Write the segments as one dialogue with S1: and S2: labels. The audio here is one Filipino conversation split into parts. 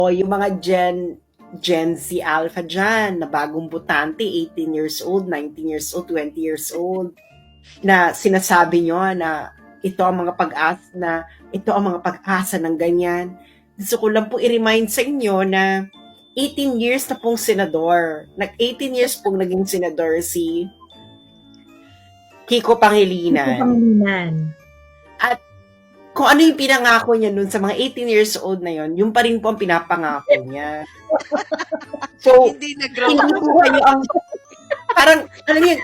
S1: O yung mga Gen Z Alpha dyan, na bagong butante, 18 years old, 19 years old, 20 years old, na sinasabi nyo na ito ang mga pag-asa ng ganyan. Gusto ko lang po i-remind sa inyo na 18 years na pong senador. 18 years pong naging senador si Kiko Pangilinan. At kung ano yung pinangako niya nun sa mga 18 years old na yon, yung pa rin po ang pinapangako niya. So,
S2: Hindi nag-grow
S1: hindi po kayo ang, parang, alam niyo,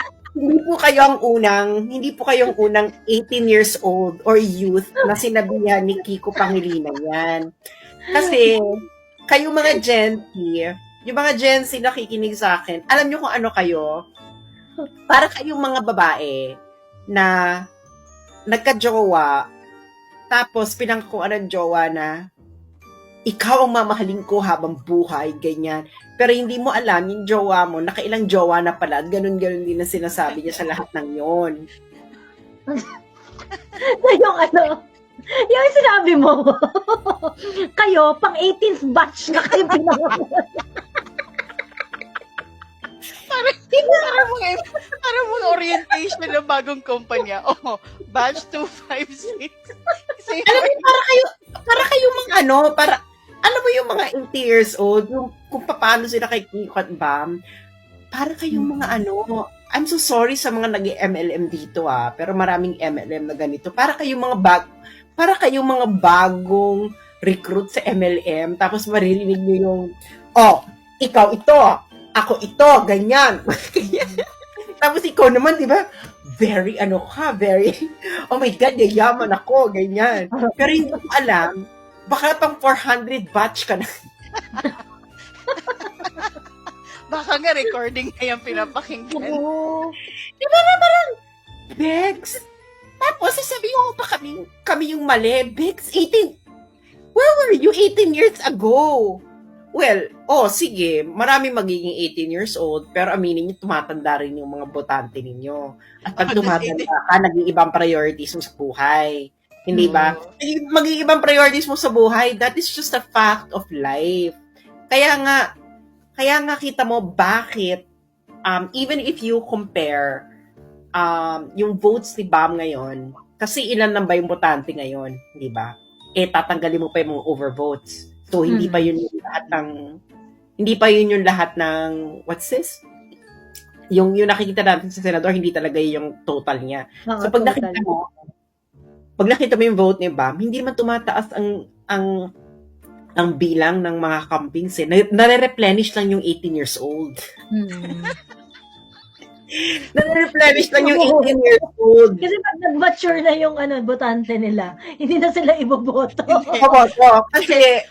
S1: hindi po kayong unang 18 years old or youth na sinabihan ni Kiko Pangilinan yan. Kasi, kayong mga Gen Z, yung mga Gen Z nakikinig sa akin, alam niyo kung ano kayo? Para kayong mga babae na nagka-jowa, tapos pinangkuan ng jowa na ikaw ang mamahalin ko habang buhay, ganyan. Pero hindi mo alam, yung jowa mo, nakailang jowa na pala, ganun-ganun din na sinasabi niya sa lahat ng yon.
S3: Yung sinabi mo, kayo, pang 18th batch na kayo pinangalan.
S2: Parang mga orientation ng bagong kumpanya. Oh, batch 256.
S1: Alam mo, para kayo mga alam mo yung mga 80 years old, yung kung paano sila kay Kiko at Bam, para kayong mga I'm so sorry sa mga nag-MLM dito pero maraming MLM na ganito. Para kayong mga bagong recruit sa MLM, tapos maririnig nyo yung, ikaw ito, ako ito, ganyan. Tapos ikaw naman, di ba? Very, oh my God, yayaman ako, ganyan. Pero hindi ko alam, baka pang 400 batch ka na.
S2: Baka nga recording na yung pinapakinggan.
S1: Di ba na parang, Bex? Tapos sasabihin ko pa kami yung mali. Bex, 18, where were you 18 years ago? Well, sige, marami magiging 18 years old, pero aminin niyo, tumatanda rin yung mga botante ninyo. At pag tumatanda ka, naging ibang priorities mo sa buhay. Hindi ba? Maging ibang priorities mo sa buhay, that is just a fact of life. Kaya nga kita mo bakit, even if you compare yung votes ni Bam ngayon, kasi ilan lang ba yung botante ngayon, di ba? Tatanggalin mo pa yung mga overvotes. So, hindi pa yun yung lahat ng, what's this? Yung nakikita natin sa senador, hindi talaga yung total niya. So, pag nakita mo yung vote ni Bam, hindi naman tumataas ang bilang ng mga campings. Nare-replenish lang yung 18 years old. Nare-replenish lang yung 18 years old.
S3: Kasi pag nag-mature na yung botante nila, hindi na sila iboboto.
S1: Kasi,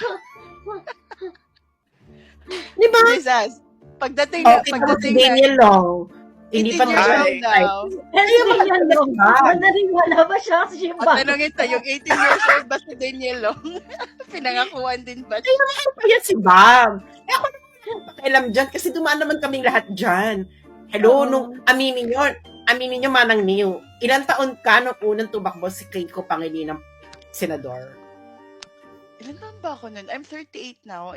S1: di ba?
S2: Jesus, pagdating
S1: Daniel Long, hindi pa
S2: daw.
S3: Naniniwala ba siya? Kasi
S2: tanongin tayo, yung 18 years old ba si Daniel Long? Pinangakuan din ba?
S1: Ay, naman pa yan si Bam. Ako naman pakialam dyan kasi dumaan naman kaming lahat dyan. Hello, nung aminin nyo Manang Niyo, ilang taon ka nung unang tumakbo si Kiko Pangilinan senador?
S2: Ilan taon ba ako nun? I'm 38 now.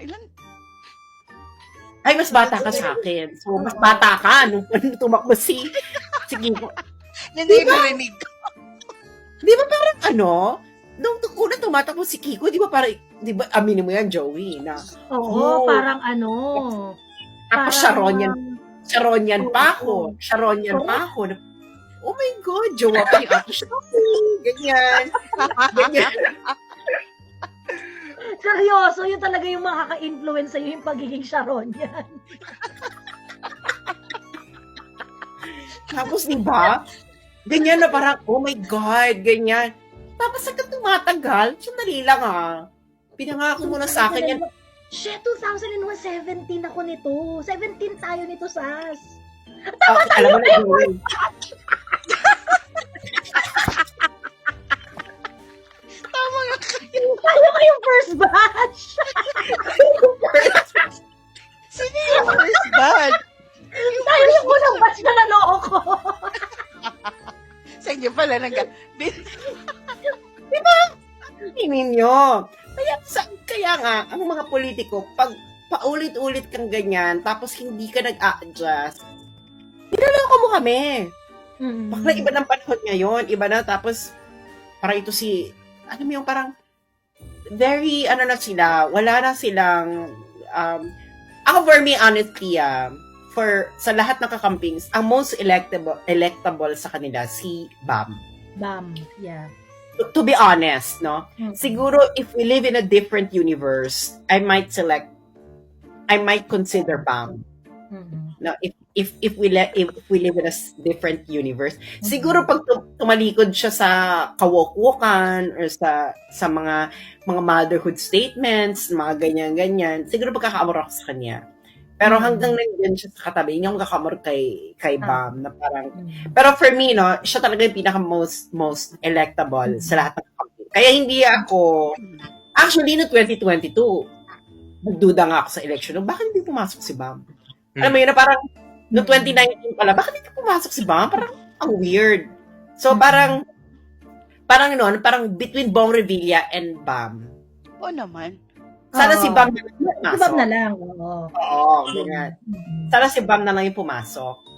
S1: Ay, mas bata ka sa akin. So, mas bata ka nung tumakbo si Kiko.
S2: Hindi ko rinig.
S1: Di ba parang nung unang tumatakbo si Kiko, di ba aminin mo yan, Joey, na
S3: parang
S1: tapos Sharonyan pa ako. Oh my God, jowa pa yung Ate Shopee. Ganyan.
S3: Seryoso, yun talaga yung makaka-influence sa'yo yung pagiging Sharon yan.
S1: Tapos, di ba? Ganyan na parang, oh my God, ganyan. Tapos, hanggang tumatagal, sandali lang pinangako mo na sa akin yan.
S3: Shit, 2017 ako nito. 17 tayo nito, Sas.
S1: Tama tayo na yun.
S2: Tama nga kayo.
S3: Tayo kayong first batch.
S2: Sino yung first batch?
S3: Tayo yung unang batch na naloko.
S2: Sa inyo pala
S1: Di ba? Hindi ninyo. Kaya nga, ang mga politiko, pag paulit-ulit kang ganyan, tapos hindi ka nag-a-adjust, niloloko mo kami. Bakla iba ng panahon ngayon, iba na, tapos, parang ito si, ano mo yung parang, very, ano na sila, wala na silang, ako for me, honestly, sa lahat ng kakampings, ang most electable sa kanila, si Bam.
S3: Bam, yeah.
S1: To be honest, no? Siguro, if we live in a different universe, I might consider Bam. No, if we live in a different universe, siguro pag tumalikod siya sa kawok-wokan or sa mga motherhood statements, mga ganyan, siguro magkakaamor ako sa kanya. Pero hanggang nandiyan siya sa katabi, hindi ako magkakamor kay Bam na parang, pero for me, no, siya talaga yung pinaka most electable sa lahat ng campaign. Kaya hindi ako, actually, no 2022, nagduda nga ako sa election, no, bakit hindi pumasok si Bam? Alam mo yun, na parang, no 2019 pala, bakit hindi pumasok si Bam? Parang, ang weird. So, parang between Bong Revilla and Bam.
S2: Oo naman.
S1: Sana si Bam na lang
S3: Si Bam na lang, oo.
S1: Oo, ganyan. Sana si Bam na lang yung pumasok.